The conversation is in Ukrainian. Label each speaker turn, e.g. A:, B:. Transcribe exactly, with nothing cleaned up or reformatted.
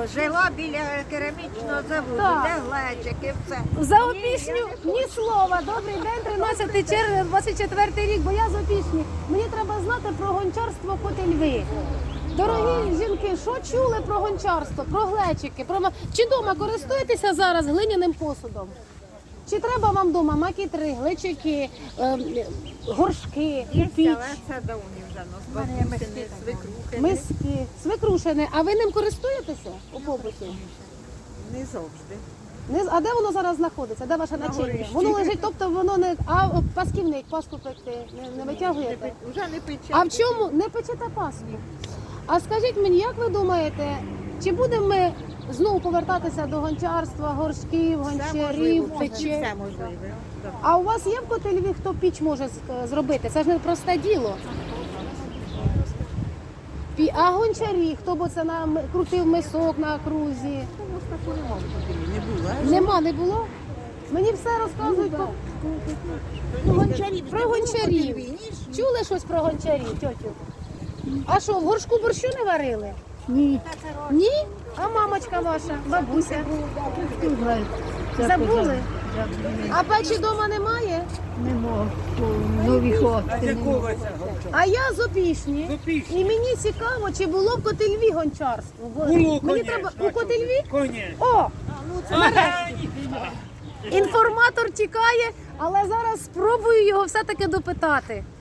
A: жила біля керамічного заводу,
B: Так.
A: де глечики, все.
B: За Опішню ні слова. Добрий день, тринадцяте червня, двадцять четвертий рік, бо я з Опішні. Мені треба знати про гончарство Котельви. Дорогі жінки, що чули про гончарство, про глечики? Про... ма- Чи вдома користуєтеся зараз глиняним посудом? Чи треба вам вдома макітри, глечики, ем, горшки,
A: Є,
B: піч,
A: але це давні вже нас бабусини, свекрухи.
B: миски, свекрушини? А ви ним користуєтеся у побуті?
A: Не завжди.
B: Не з- А де воно зараз знаходиться? Де ваше начиння?
A: горищі.
B: Воно лежить, тобто воно не. А о, пасківник, паску пекти не, не витягуєте?
A: Вже не пече.
B: А в чому не печете паску? А скажіть мені, як ви думаєте, чи будемо ми знову повертатися до гончарства, горшків,
A: Все можливо,
B: гончарів,
A: почти
B: печей?
A: все можливе. Да.
B: А у вас є в Котельві, хто піч може з- зробити? Це ж не просте діло. Пі- А гончарі, хто б це на м- крутив мисок на крузі?
A: Не було.
B: Нема, не було? Мені все розказують про,
A: Ну, гончарів
B: про гончарів. Чули щось про гончарів, тьотю? А що, в горшку борщу не варили?
C: Ні,
B: Ні? А мамочка ваша, бабуся?
C: знаю.
B: Забули? А печі вдома немає?
C: Не можу. Нові хати.
B: А я з Опішні. І мені цікаво, чи було в Котельві гончарство. Бо
D: Було,
B: мені
D: конечно.
B: треба у Котельві?
D: Коні.
B: О! Нарешті. Інформатор тікає, але зараз спробую його все-таки допитати.